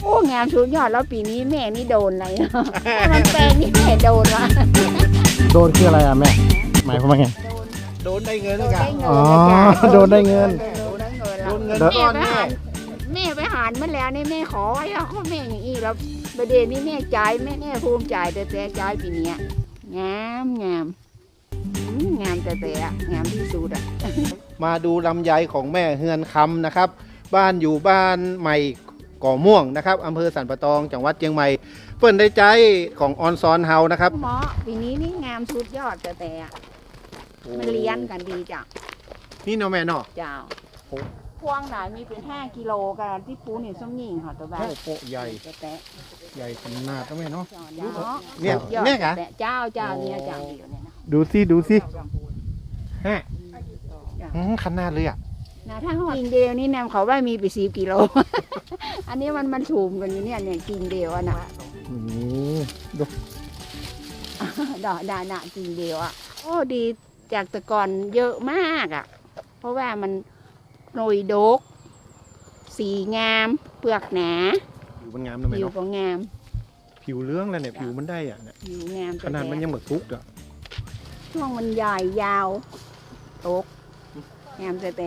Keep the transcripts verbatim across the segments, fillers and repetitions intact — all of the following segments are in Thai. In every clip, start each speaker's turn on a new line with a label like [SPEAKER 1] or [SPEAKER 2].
[SPEAKER 1] อ้งามสุดยอดแล้วปีนี้แม่นี่โดนอะไรเนาะมันแปลงนี่แม่โดนวะ
[SPEAKER 2] โดนคืออะไรอ่ะแม่หมายความว่าไง
[SPEAKER 1] โดน
[SPEAKER 3] โดนได้เงิน
[SPEAKER 1] โด
[SPEAKER 3] แล้ว
[SPEAKER 1] น
[SPEAKER 3] กั
[SPEAKER 1] ได้
[SPEAKER 3] น
[SPEAKER 1] เงิน
[SPEAKER 2] อ๋อ
[SPEAKER 1] นะจ๊ะ
[SPEAKER 2] โดนได้เงิน
[SPEAKER 1] โดนได้เงิน
[SPEAKER 3] โดนเงิน
[SPEAKER 1] แล้ว
[SPEAKER 3] ก้อน
[SPEAKER 1] แม่
[SPEAKER 3] แน่
[SPEAKER 1] แม่ไปหารมาแล้วนี่แม่ขอไว้อะเขาแม่อย่างอีแล้วประเด็นนี้แม่จ่ายแม่แม่ภูมิใจแต่แต่จ่ายปีนี้งามงามงามแต่แต่งามที่สุดอ่ะ
[SPEAKER 3] มาดูลำไยของแม่เฮือนคำนะครับ บ้านอยู่บ้านใหม่ก่อม่วงนะครับอำเภอสันปะตองจังหวัดเชียงใหม่เปิ้นได้ใจของออนซอนเฮานะครับ
[SPEAKER 1] หมอปีนี้นี่งามสุดยอดแต่แต่มันเลี้ยนกันดีจ้ะ
[SPEAKER 3] นี่เนาะแม่เนาะ
[SPEAKER 1] เจ้า
[SPEAKER 3] โอ้
[SPEAKER 1] พวงไหนมีเป็นห้ากิโลกันที่ปูนี่ส้มหญิงค่ะตัวแบบ
[SPEAKER 3] โอ้โหใหญ่
[SPEAKER 1] แต่แต่
[SPEAKER 3] ใหญ่ขนาดนะแม่เนาะ
[SPEAKER 1] เนาะ
[SPEAKER 3] เนี่ย
[SPEAKER 1] ยอด
[SPEAKER 3] เนี่ยกะ
[SPEAKER 1] แต่เจ้าเจ้าเนี่ยเจ้าเดียวเนี่ยนะ
[SPEAKER 2] ดูสิดูสิ
[SPEAKER 3] ฮะอืมขนาดเลยอ่ะ
[SPEAKER 1] นะถ้าหอดกิ่งเดียวนี่แนมเขาว่ามีไปสิบกิโล อันนี้มันมันถูมกันอยู่เนี่ยเนี่ยกิ่งเดียวอะนะ
[SPEAKER 2] อืมดู
[SPEAKER 1] ดอกดานะกิ่งเดียวอ่ะโอ้ดีจากแต่ก่อนเยอะมากอ่ะ เพราะว่ามันหน่ยดก สีงาม เปลือกหนา
[SPEAKER 3] ผิวมันงามนะแม่
[SPEAKER 1] ผิว
[SPEAKER 3] เนาะ
[SPEAKER 1] ก็งาม
[SPEAKER 3] ผิวเรื่องแล้วเนี่ยผิวมันได้อ่ะเนี่ย
[SPEAKER 1] ผิวงาม
[SPEAKER 3] ขนาดมันยังเหมือนทุกข์อ่ะ
[SPEAKER 1] ช่วงมันใหญ่ยาวตกงามแต่แต่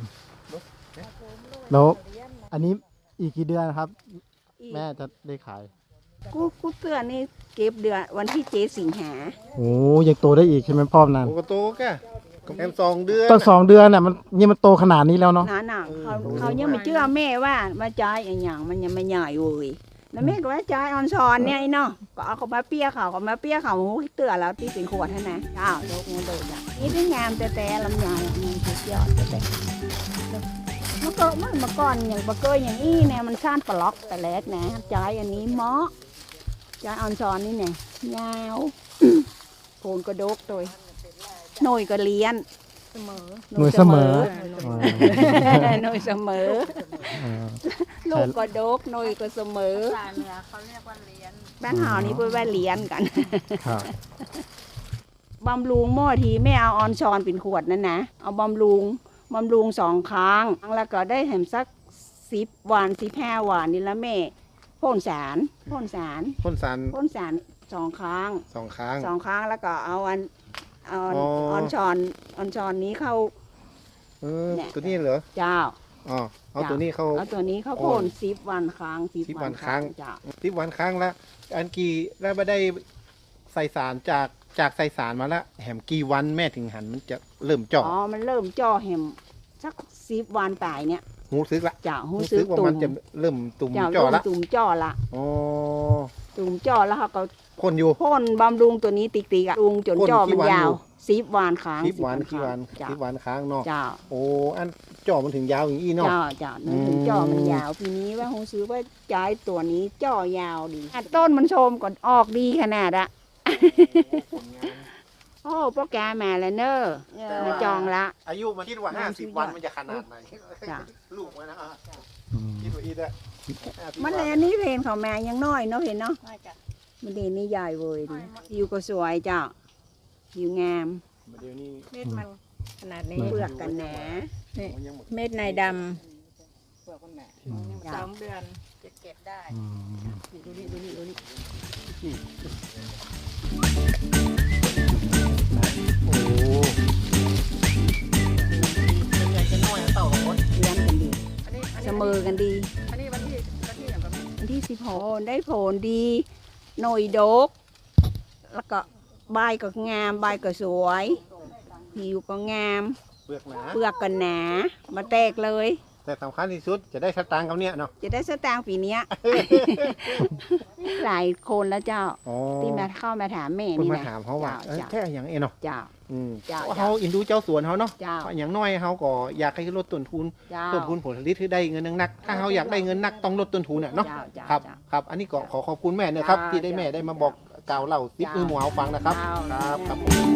[SPEAKER 2] แล้วอันนี้อีกกี่เดือนครับ แม่จะได้ขาย
[SPEAKER 1] กูกูเตือนนี่เก็บเดือนวันที่เจ็ดสิงหา
[SPEAKER 2] โอ้ยังโตได้อีกใช่ไหมพ่อมนาน
[SPEAKER 3] โอ้ก็โตแก่แอมสองเดือน
[SPEAKER 2] ตั้งสองเดือนน่ะมันนี่มันโตขนาดนี้แล้วเนาะ
[SPEAKER 1] หนาหนักเขาเขายังไม่เชื่อแม่ว่ามาจ่ายอย่างอย่างมันยังไม่ใหญ่เว้ยแล้วแม่ก็ว่าจ่ายออนซอนเนี่ยไอ้เนาะก็เอาเขามาเปี้ยเขาเขามาเปี้ยเขาหูเตือนแล้วที่เป็นขวดให้นะอ้าวโดกมันโดดอ่ะนี่ที่งามแต่แต่ลำไยมันสุดยอดแต่แต่เมื่อก่อนเมื่อก่อนอย่างปะเกยอย่างอี้เนี่ยมันซ่านปลอกแต่แรกนะจ่ายอันนี้เหมาะจ่ายออนซอนนี่เนี่ยยาวโคนกระดกโดยหน่วยก็เลี้ยนเสมอ
[SPEAKER 2] หน่วยเสมอ
[SPEAKER 1] หน่วยเสมอ
[SPEAKER 2] อ่า
[SPEAKER 1] ลูกก็ดกหน่วยก็เสมอ
[SPEAKER 4] ภาษาเหนือเขาเรียกว่าเลี้ยน
[SPEAKER 1] บ้านเฮานี่เพื่อว่าเลี้ยนกัน
[SPEAKER 2] ครับ
[SPEAKER 1] บำรุงหม้อทีไม่เอาออนชอนเป็นขวดนั่นนะเอาบำรุงบำรุงสองครั้งแล้วก็ได้แหมสักสิบวันสิบห้าวันนี่ละแม่พ่นสารพ่นสาร
[SPEAKER 3] พ่นสาร
[SPEAKER 1] พ่นสารสองครั้ง
[SPEAKER 3] สองครั้ง
[SPEAKER 1] สองครั้งแล้วก็เอาอันเอาอัน
[SPEAKER 3] อ๋อ
[SPEAKER 1] ออนชอนออนชอนนี้เข้า
[SPEAKER 3] เออ
[SPEAKER 1] เนี่ย
[SPEAKER 3] ตัวนี้เหรอ
[SPEAKER 1] เจ้า
[SPEAKER 3] อ๋อเอาตัวนี้เข้า
[SPEAKER 1] เอาตัวนี้เข้าพ่นสิบวันครั้งสิบ
[SPEAKER 3] สิบวั
[SPEAKER 1] วัน
[SPEAKER 3] นครั้ง
[SPEAKER 1] เจ้า
[SPEAKER 3] สิบวันครั้งละอันกี่แล้วไม่ได้ใส่สารจากจากใส่สารมาแล้วแหมกี่วันแม่ถึงหันมันจะเริ่มเจาะ
[SPEAKER 1] อ๋อ มันเริ่มจ่อแหมสักสิบวันตายเนี่ย
[SPEAKER 3] หูซึกละ
[SPEAKER 1] จ่าหู
[SPEAKER 3] หู
[SPEAKER 1] ซื้อ
[SPEAKER 3] ว่า
[SPEAKER 1] ตุ่
[SPEAKER 3] มั
[SPEAKER 1] ม
[SPEAKER 3] นจะเริ่มตุ่ม
[SPEAKER 1] จ่า
[SPEAKER 3] เจาะละ
[SPEAKER 1] ตุ่มจ่อละ
[SPEAKER 3] อ๋อ
[SPEAKER 1] ตุ่มจ่อแล้วเขาก็
[SPEAKER 3] พ่นอยู่
[SPEAKER 1] พ่นบำรุงตัวนี้ติ๊กๆอะรุงจน
[SPEAKER 3] พ่น
[SPEAKER 1] จ่อ
[SPEAKER 3] กี่
[SPEAKER 1] มัน
[SPEAKER 3] วัน
[SPEAKER 1] ยาว
[SPEAKER 3] อยู่
[SPEAKER 1] สิบวันครั้ง
[SPEAKER 3] สิบวันกี่วัน
[SPEAKER 1] จ่า
[SPEAKER 3] สิบวันครั้งเนาะ
[SPEAKER 1] จ่า
[SPEAKER 3] โอ้อันเจาะมันถึงยาวอย่างนี้เนาะ
[SPEAKER 1] จ่าจ่านึกถึงจ่อมันยาวทีนี้ว่าหูซื้อว่าจ่ายตัวนี้จ่อยาวดีอ่ะต้นมันโชมก่อนออกดีขนาดอะ โอ้โปรแกรมมาแล้วเนอะมาจองละ
[SPEAKER 3] อายุมันคิดว่าห้าสิบวันมันจะขนาดไหน
[SPEAKER 1] จ้ะ
[SPEAKER 3] ลูกมันนะอ่ะ
[SPEAKER 2] อืม
[SPEAKER 3] คิดว่าอีกอะห้าสิบ
[SPEAKER 1] มัน
[SPEAKER 3] วั
[SPEAKER 1] เลยอันนี้เพนเขามายังน้อยเนาะเห็นเนาะ
[SPEAKER 4] ไม่จ้ะ
[SPEAKER 1] มันเดนนี่ใหญ่เว้ยดิผิวก็สวยจ้ะผิวงาม
[SPEAKER 3] เดี๋ยวนี้
[SPEAKER 4] เม็ดมันขนาดนี้
[SPEAKER 1] เปลือกกันหนา
[SPEAKER 3] มันยังหมด
[SPEAKER 4] เม็ดในด
[SPEAKER 2] อืม
[SPEAKER 4] ำสองเดือนจะเก็บได้
[SPEAKER 2] อืม
[SPEAKER 1] ดูนี่ดูนี่ดูนี่
[SPEAKER 3] โอ้เป็นไงจะน้อยเต่าของคน
[SPEAKER 1] เลี้ยงกันดี
[SPEAKER 4] อันนี้อัน
[SPEAKER 1] เส
[SPEAKER 4] นี้
[SPEAKER 1] มอกันดี
[SPEAKER 4] อันนี้วันที่วันที่อย่างกับ
[SPEAKER 1] วันที่สิบหกได้ผลดี หน่อยดก แล้วก็ใบก็งามใบก็สวย ผิวก็งาม
[SPEAKER 3] เปลือกหนา
[SPEAKER 1] เปลือกก็หนา มาแตกเลย
[SPEAKER 3] แต่สำคัญที่สุดจะได้สตางค์กับเนี่ยเนาะ
[SPEAKER 1] จะได้สตางค์ปีเนี้ย หลายคนแล้วเจ้า
[SPEAKER 3] อ๋อ
[SPEAKER 1] ที่มาเข้ามาถามแม่
[SPEAKER 3] คุณ
[SPEAKER 1] นี่
[SPEAKER 3] มา
[SPEAKER 1] นะ
[SPEAKER 3] ถามเขาว่าเอ้ย
[SPEAKER 1] เจ้า
[SPEAKER 3] แค่อย่างเอ็นเนาะ
[SPEAKER 1] เจ้า
[SPEAKER 3] อืม
[SPEAKER 1] เจ้า
[SPEAKER 3] เพราะเขาอินดูเจ้าสวนเขาเนาะ
[SPEAKER 1] เจ้า
[SPEAKER 3] เพราะอย่างน้อยเขาก็อยากให้ลดต้นทุน
[SPEAKER 1] เจ้า
[SPEAKER 3] เพิ่มพูนผลผลิตให้ได้เงินนักๆถ้าเขาอยากได้เงินนักต้องลดต้นทุนน่ะเนาะ
[SPEAKER 1] เจ้าเจ้า
[SPEAKER 3] ครับ
[SPEAKER 1] เจ้า
[SPEAKER 3] ครับ อันนี้ก็ขอขอบคุณแม่นะครับ
[SPEAKER 1] เจ้า
[SPEAKER 3] ที่ได้แม่ได้มาบอกกล่าวเล่าซิป
[SPEAKER 1] เจ้า
[SPEAKER 3] มือหมูเอาฟังนะครับ
[SPEAKER 1] เจ้า
[SPEAKER 3] ครับครับผม